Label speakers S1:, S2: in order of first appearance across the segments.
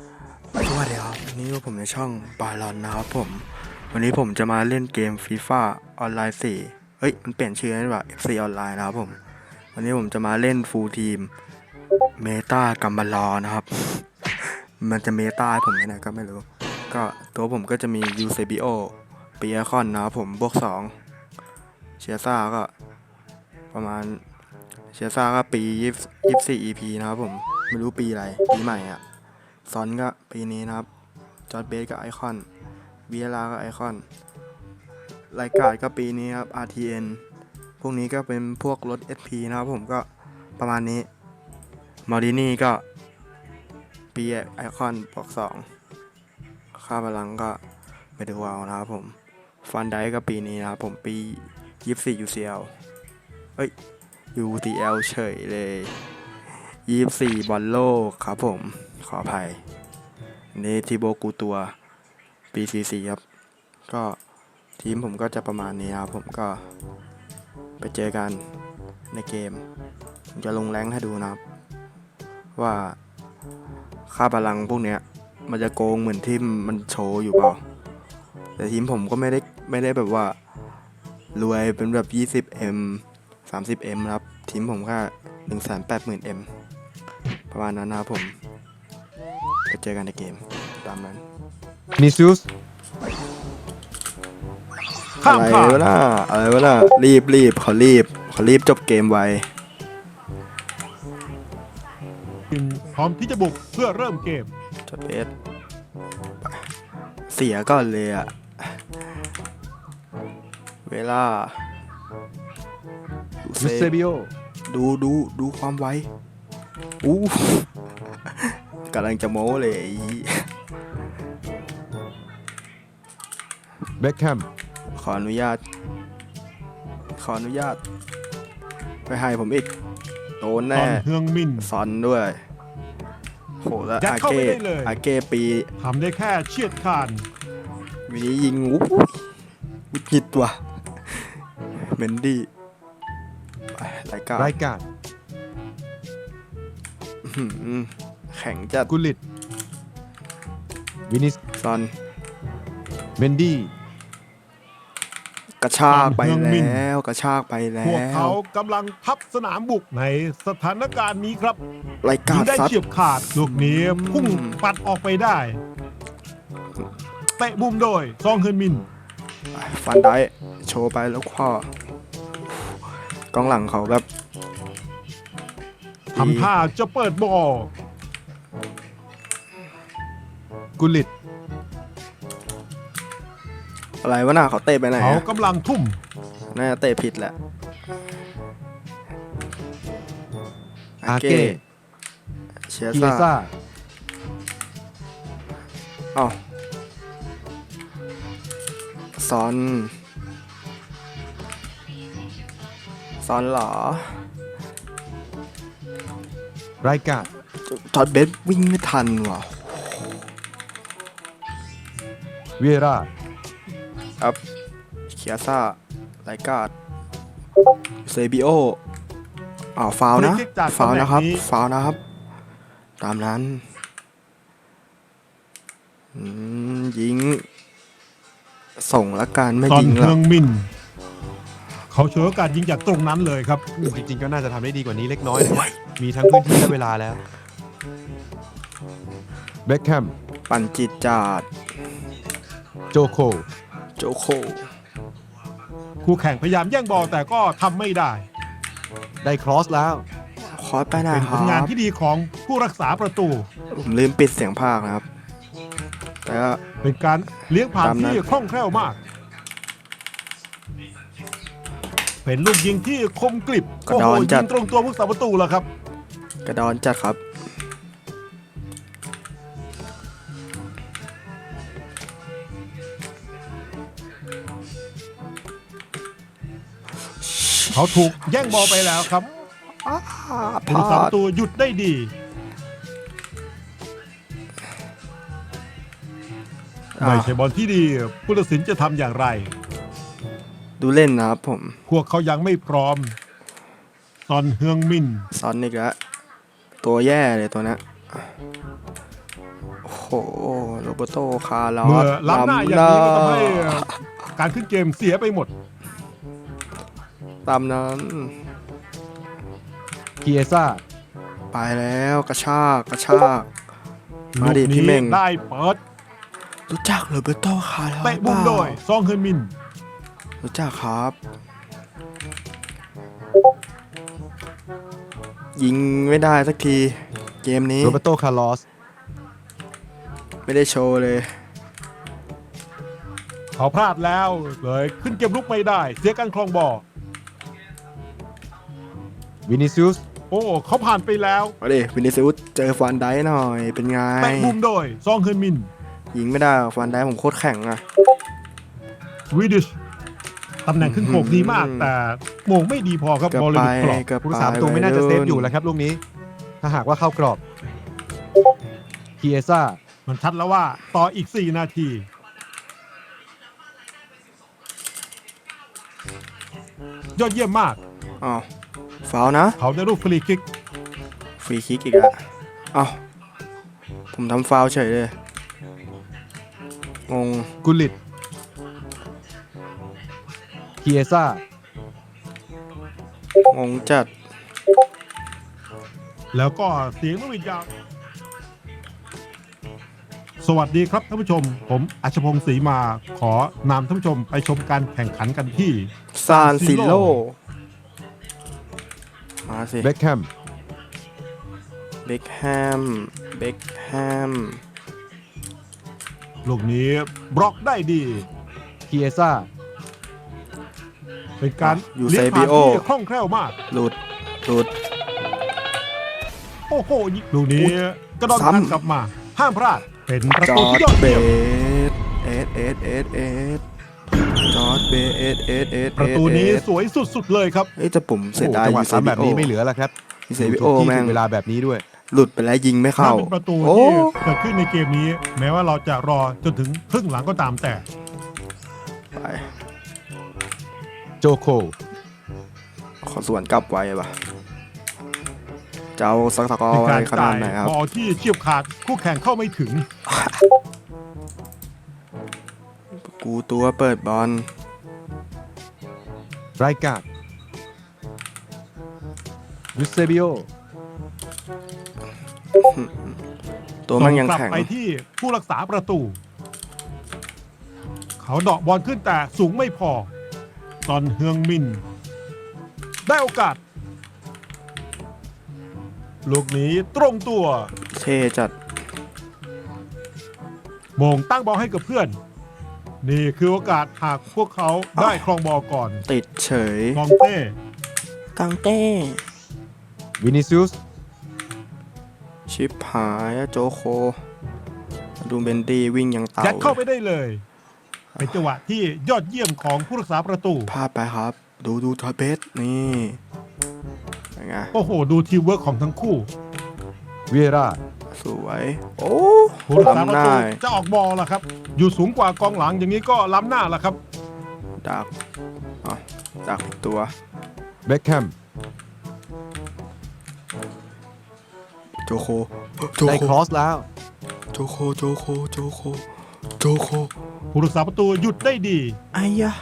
S1: สวัสดีครับวันนี้ผมในช่องบาลอนนะครับวันนี้ผมจะมาเล่นเกมฟีฟ่าออนไลน์4มันเปลี่ยนชื่อแล้วว่า FC ออนไลน์นะครับวันนี้ผมจะมาเล่นฟูลทีมเมตากัมบาลอนะครับ มันจะเมตาให้ผมยังไงก็ไม่รู้ก็ตัวผมก็จะมียูเซบิโอปีไอคอนนะครับบวก2เชียซ่าก็ประมาณเชียซ่าก็ปี24 EP นะครับไม่รู้ปีอะไรปีใหม่อ่ะซอนก็ปีนี้นะครับจอร์จเบสก็ไอคอนวีเอลาก็ไอคอนรายการก็ปีนี้ครับ RTN พวกนี้ก็เป็นพวกรถ SP นะครับก็ประมาณนี้มอรินี่ก็ปีไอคอนบวก2ค่าพลังก็ไปดูเอานะครับฟันไดก็ปีนี้นะครับปี24 UCL UTL เฉยเลย24บอลโลกครับขออภัยนี่ทิโบกูตัวปี44ครับก็ทีมผมก็จะประมาณนี้ครับก็ไปเจอกันในเกมผมจะลงแรงให้ดูนะครับว่าค่าพลังพวกเนี้ยมันจะโกงเหมือนที่มันโชว์อยู่เปล่าแต่ทีมผมก็ไม่ได้แบบว่ารวยเป็นแบบ 20M 30M ครับทีมผมแค่ 180,000M ประมาณนั้นนะครับไปเจอกันในเกมตามนั้น
S2: นิซิอุส
S1: อะไรวะน่ะรีบเขารีบจบเกมไว
S2: พร้อมที่จะบุกเพื่อเริ่มเกม
S1: จบเอสเสียก่อนเลยอะเวลา
S2: ยูเซบิโอ
S1: ดูความไวกำลังจะโม้เลย
S2: เบ็คแฮม
S1: ขออนุญาตไปให้ผมอีกโดนแน่
S2: เฮืองมิน
S1: ซอนด้วยโหแล้วอาเก้ปี
S2: ทำได้แค่เฉียดขาด
S1: วินี้ยิงวิจิตว่ะเมนดี้รายการแข่งจัด
S2: กุลิตวินิส
S1: ซอน
S2: เมนดี้
S1: กระชากไปแล้วพ
S2: วกเขากำลังพับสนามบุกในสถานการณ์นี้ครับ
S1: รายการ
S2: ได้เฉียบขาดลูกนี้พุ่งปัดออกไปได้เตะมุมโดยซองเฮินมิน
S1: ฟันได้โชว์ไปแล้วข้อกองหลังเขาแบบ
S2: ทำท่าจะเปิดบอลกุลิต
S1: อะไรวะน่ะเขาเตะไปไหน
S2: เขากำลังทุ่ม
S1: น่าจะเตะผิดแหละ
S2: อาเก้
S1: เชีย
S2: ซ่า
S1: ซอนเหรอ
S2: รายการ
S1: จอร์จเบสวิ่งไม่ทันว่ะ
S2: เวรา
S1: ครับเคียซ่ารายการเซบิโอฟาวนะครับตามนั้นยิงส่งละกันไม่ยิง
S2: แล้วเขาเฉวยโอกาสยิงจากตรงนั้นเลยครับ
S3: จริงๆก็น่าจะทำได้ดีกว่านี้เล็กน้อยมีทั้งพื้นที่และเวลาแล้ว
S2: เบ็คแฮม
S1: ปั่นจิตจาด
S2: โจโคคู่แข่งพยายามแย่งบอลแต่ก็ทำไม่ได้
S3: ครอสแล้ว
S1: คอสไปนะ
S2: เป็นผลงานที่ดีของผู้รักษาประตู
S1: ผมลืมปิดเสียงพากย์นะครับแต่ก็
S2: เป็นการเลี้ยงผ่านที่คล่องแคล่วมากเป็นลูกยิงที่คมกริบโอ้โหยิงตรงตัวผู้รักษาประตูแล้วครับ
S1: กระดอนจัดครับ
S2: เขาถูกแย่งบอลไปแล้วครับผู้รักษาประตูหยุดได้ดีไม่ใช่บอลที่ดีผู้ตัดสินจะทำอย่างไร
S1: ดูเล่นนะครับ
S2: พวกเขายังไม่พร้อมซอนเฮืองมิน
S1: ซอนอีกแล้วตัวแย่เลยตัวนี้โอ้โหโรเบโตคาร์ลอ
S2: เมื่อ
S1: ส
S2: ล้ำหน้าอย่างนี้ก็ทำให้การขึ้นเกมเสียไปหมด
S1: ตามนั้น
S3: เกียซ่า
S1: ไปแล้วกระชากมาดิ
S2: ลูก
S1: พี่
S2: นี้
S1: เม่ง
S2: ได้เปิด
S1: รู้จักโรเบโตคาร์ลอส
S2: เตะมุมโดยซองเฮินมิน
S1: รู้จักครับ ยิงไม่ได้สักทีเกมนี้
S3: โรเบโตคาร์ลอส
S1: ไม่ได้โชว์เลย
S2: เขาพลาดแล้วเลยขึ้นเกมลุกไม่ได้ เสียการครองบอล
S3: วินิซิอุส
S2: โอ้เขาผ่านไปแล้ว
S1: มาดิวินิซิอุสเจอฟันไดหน่อยเป็นไง
S2: เตะมุมโดยซองเฮินมิน
S1: ยิงไม่ได้หรอกฟันไดผมโคตรแข็งอะ
S2: วิดิชตำแหน่งขึ้นโขกดีมาก แต่โมงไม่ดีพอครับ
S1: เกือบบ
S2: อลเลย
S1: ไป
S2: หลุดกรอบ
S1: เกือบ
S3: ผู้
S1: ไป
S3: รักษาประตูไม่น่าจะเซฟอยู่
S1: วั
S3: แล้วครับลูกนี้ ถ้าหากว่าเข้ากรอบเกียซ่า
S2: มันชัดแล้วว่าต่ออีก 4 นาที ยอดเยี่ยมมาก
S1: อ้าวฟาวล์นะ
S2: เขาได้ลูกฟรีคิก
S1: ฟรีคิกอีกอะอ้าวผมทำฟาวล์เฉยเลยงง
S3: กุลิตเกียซ่าง
S1: งจัด
S2: แล้วก็เสียงลูกวิญญาณสวัสดีครับท่านผู้ชม ผมอัชพงศ์ศรีมาขอนำท่านผู้ชมไปชมการแข่งขันกันที่
S1: ซานซิโลมาสิ
S3: เบ็คแฮม
S1: เบคแฮม
S2: ลูกนี้บล็อกได้ดี
S3: เกียซ่า
S2: เป็นการ
S1: ยู
S2: เลี้
S1: เซ
S2: ยงผ่า
S1: บิ
S2: น
S1: โอ
S2: ที่คล่องแคล่วมาก
S1: หลุด
S2: โอ้โหลูกนี้กระโดด
S1: ซ้ำ
S2: กลับมา ห้ามพลาด เป็นประ
S1: จ
S2: ตู
S1: อ
S2: ที่
S1: ร์
S2: ยอด
S1: ดเบ
S2: เยี่ยม
S1: สจอร์ดเบส
S2: ประตูนี้สวยสุดๆเลยครับ
S1: เอ้ยแต่ผมเสียดาย
S3: จังหวะ
S1: ยูเซ
S3: ซ้ำ
S1: บิ
S3: แบบ
S1: โอ
S3: นี้ไม่เหลือแล้วครับ
S1: ยูเซบิโอ
S3: ถูกที่
S1: แม่
S3: ถู
S1: ง
S3: กเวลาแบบนี้ด้วย
S1: หลุดไปแล้วยิงไม่
S2: ถ้า
S1: เข้า
S2: เป็นประตู
S1: โอ้
S2: ที่เกิดขึ้นในเกมนี้ แม้ว่าเราจะรอจนถึงครึ่งหลังก็ตามแต่
S1: ไป
S3: โจโค
S1: ขอสวนกลับไว้ป่ะจะเอาสักตะกอ
S2: เป็น
S1: ไว้
S2: การ
S1: ขนา
S2: จ่า
S1: ด
S2: ย
S1: ไหนครับ
S2: บอลที่เฉียบขาดคู่แข่งเข้าไม่ถึง
S1: กูตัวเปิดบอล
S3: ไรกาดยูเซบิโอ
S1: ตัวมันยัง
S2: ส่กลับ
S1: แข็ง
S2: ไปที่ผู้รักษาประตู เขาเดาะบอลขึ้นแต่สูงไม่พอ ตอนเฮืองมิน ได้โอกาส ลูกนี้ตรงตัว
S1: เท่จัด
S2: โมงตั้งบอลให้กับเพื่อน นี่คือโอกาสหากพวกเขาได้ครองบอลก่อน
S1: ติดเฉย
S2: กองเต้
S1: กังเต้
S3: วินิซิอุส
S1: ชิปหายอะโจโค ดูเบนดี้วิ่งยังเต่า
S2: ยัดเข้าไปได้เลย เป็นจังหวะที่ยอดเยี่ยมของผู้รักษาประตู
S1: พลาดไปครับ ดูทอยเบสนี่เป็นไง
S2: โอ้โห ดูทีมเวิร์กของทั้งคู่
S3: เวียร่า
S1: สวย โอ้
S2: ผู้รักษาประ
S1: ล้ำหน้า
S2: ตูจะออกบอลล่ะครับ อยู่สูงกว่ากองหลังอย่างนี้ก็ล้ำหน้าล่ะครับ
S1: ดักดักตัว
S3: เบ็คแฮม
S1: โจโค
S3: ได้ครอสแล้ว
S1: โจโค
S2: ผู้รักษาประตูหยุดได้ดี
S1: ไอ้ยะ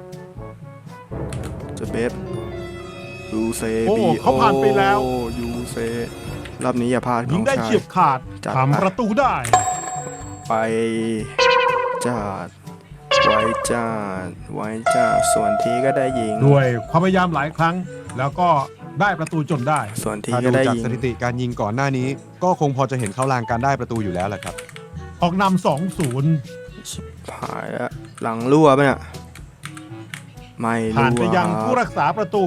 S1: จะเบสยูเซ
S2: โอ้
S1: บี
S2: เขาผ่านไปแล้ว
S1: ยูเซรอบนี้อย่าพลาด
S2: ยิงได้
S1: น้อชา
S2: เฉียบขาด
S1: จัด
S2: ทำประตูได้
S1: ไปจัดไว้จัดส่วนทีก็ได้ยิง
S2: ด้วยความพยายามหลายครั้ง แล้วก็ได้ประตูจนได้
S1: ส่วนที
S3: ถ้า
S1: ก็
S3: ดู
S1: ได้
S3: จาก
S1: ยิง
S3: สถิติการยิงก่อนหน้านี้ ก็คงพอจะเห็นเข้าลางการได้ประตูอยู่แล้วแหละครับ
S2: ออกนำ
S1: หายแล้วหลังรั่วปะเนี่ยไม่
S2: 2-0 ผ่าน
S1: รั่ว
S2: ไปยัง
S1: ค
S2: ผู้
S1: รับ
S2: รักษาประตู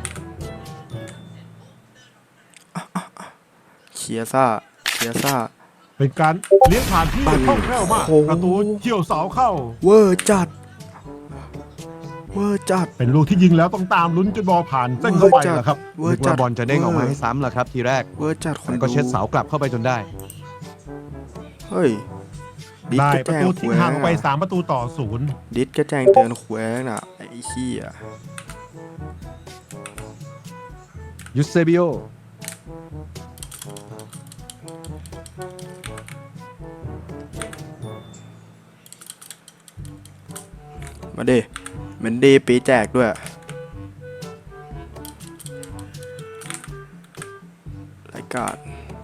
S1: เคียซ่า
S2: เป็นการเลี้ยงผ่านที่
S1: ปั่น
S2: คล่องแคล่วมาก
S1: โอ้โห
S2: ประตูเฉี่ยวเสาเข้า
S1: เวอร์จัด
S2: เป็นลูกที่ยิงแล้วต้องตามลุ้นจนบอลผ่านเส้นเข้าไปแหละครับ
S1: เวอ
S3: นึ
S1: ร์
S3: ก
S1: จั
S3: ว่า
S1: ด
S3: บอลจะเด้งออกมาให้ซ้ำแหละครับทีแรก
S1: เวอร์จัดคน
S3: แต่ก็เช็ดเสากลับเข้าไปจนได้
S1: เฮ้ยดิส
S2: ได้
S1: ก็
S2: ประ
S1: แจ้ง
S2: ตู
S1: แข
S2: ทิ้
S1: ว
S2: งห่างออกไป
S1: ง
S2: 3 ประตูต่อ 0
S1: ดิสก็แจ้งเตือนแขวงน่ะไอ้เหี้ย
S3: ยูเซบิโอ
S1: มาดิเมนดี้ปีแจกด้วยรายการ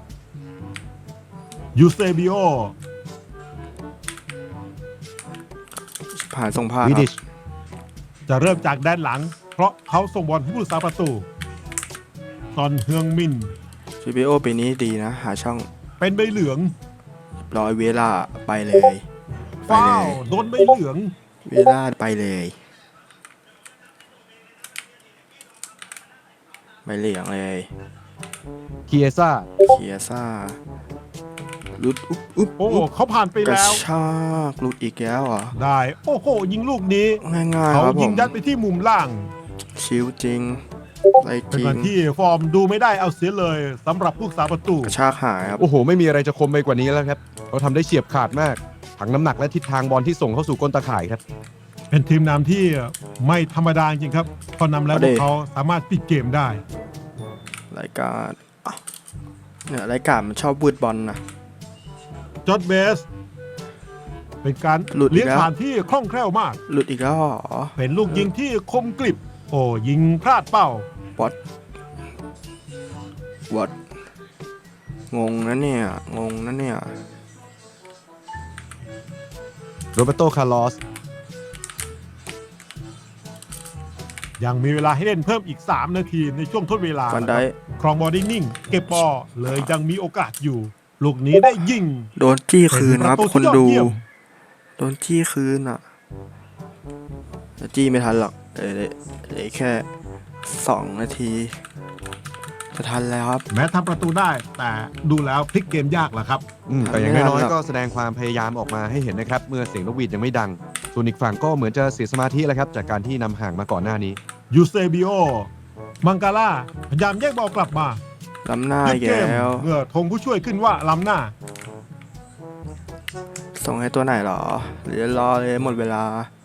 S2: ยูเซบิโอ
S1: ผ่านส่งผ่าน
S3: วิ
S1: ครั
S3: ดิ
S1: บ
S3: ช
S2: จะเริ่มจากด้านหลัง เพราะเขาส่งบอลให้ผู้รักษาประตูซอนเฮืองมิน
S1: GBO ปีนี้ดีนะ หาช่อง
S2: เป็นใบเหลือง
S1: ร้อยเวลาไปเลยไป
S2: ฟ้า
S1: เล
S2: วย โดนใบเหลือง
S1: เวลาไปเลยไม่เหลียงเลย
S3: เคียซ่า
S1: เคียซ่าลุดอุ๊บ
S2: โอ้เขาผ่านไป
S1: กระ
S2: แล้ว
S1: ชากลุดอีกแล้วเหรอ่ะ
S2: ได้ โอ้โห ยิงลูกนี้
S1: ง่ายๆ
S2: เขา
S1: ครับผ
S2: ยิง
S1: ม
S2: ยัดไปที่มุมล่าง
S1: ชิวจริงไรจ
S2: เป็น
S1: ริง
S2: วันที่ฟอร์มดูไม่ได้เอาเสียเลยสำหรับผู้รักษาประตู
S1: กระชากหายครับ
S3: โอ้โห ไม่มีอะไรจะคมไปกว่านี้แล้วครับเขาทำได้เฉียบขาดมากถังน้ำหนักและทิศทางบอลที่ส่งเข้าสู่ก้นตาข่ายครับ
S2: เป็นทีมนำที่ไม่ธรรมดาจริงครับ พอนำแล้วพวกเขาสามารถปิดเกมได้
S1: รายการอ่ะเนี่ยรายการมันชอบบูดบอลนะ
S2: จอร์จเบส เป็นการ
S1: หลุดอีก
S2: เลี้ยง
S1: แล้ว
S2: ผ่านที่คล่องแคล่วมาก
S1: หลุดอีกแล้วเหรอ
S2: เป็นลูกยิงที่คมกริบ โอ้ยิงพลาดเป้า
S1: วอดงงนะเนี่ยงงนะเนี่ย
S3: โรเบโต คาร์ลอส
S2: ยังมีเวลาให้เล่นเพิ่มอีก 3 นาทีในช่วงทดเวลา
S1: ฟันได้
S2: ครองบอลได้นิ่ง เก็บบอลเลยยังมีโอกาสอยู่ ลูกนี้ได้ยิง
S1: โดนจี้คืนครับ
S2: เป็นประตู
S1: คนดู
S2: ที่ยอดเยี่ยม
S1: โดนจี้คืนอ่ะแต่จี้ไม่ทันหรอกเหลือแค่2 นาทีจะทันแล้วครับ
S2: แม้ทำประตูได้ แต่ดูแล้วพลิกเกมยากแหละครับ
S3: แต่อย่างน้อย
S1: ไม่ทันหรอก
S3: ๆก็แสดงความพยายามออกมาให้เห็นนะครับ เมื่อเสียงนกหวีดยังไม่ดัง ส่วนอีกฝั่งก็เหมือนจะเสียสมาธิแล้วครับ จากการที่นำห่างมาก่อนหน้านี้
S2: ยูเซบิโอ มังกาล่าพยายามแยกบอลกลับมา
S1: ล้ำหน้า
S2: หยุ
S1: อี
S2: ด
S1: ก
S2: เกม
S1: แล้ว
S2: เมื่อธงผู้ช่วยขึ้นว่าล้ำหน้า
S1: ส่งให้ตัวไหนหรอหรือรอเลยหมดเวลา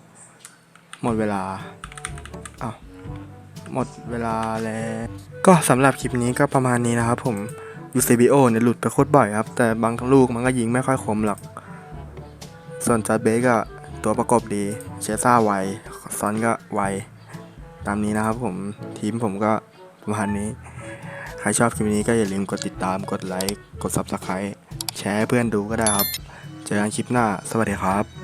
S1: อ้าวหมดเวลาแล้วก็สำหรับคลิปนี้ก็ประมาณนี้นะครับผม UCBO เนี่ยหลุดไปโคตรบ่อยครับ แต่บางลูกมันก็ยิงไม่ค่อยคมหรอก ส่วนจัดเบสก็ตัวประกบดีเชซ่าไวซอนก็ไวตามนี้นะครับผมทีมผมก็ประมาณนี้ ใครชอบคลิปนี้ก็อย่าลืมกดติดตามกดไลค์กด Subscribe แชร์ให้เพื่อนดูก็ได้ครับ เจอกันคลิปหน้าสวัสดีครับ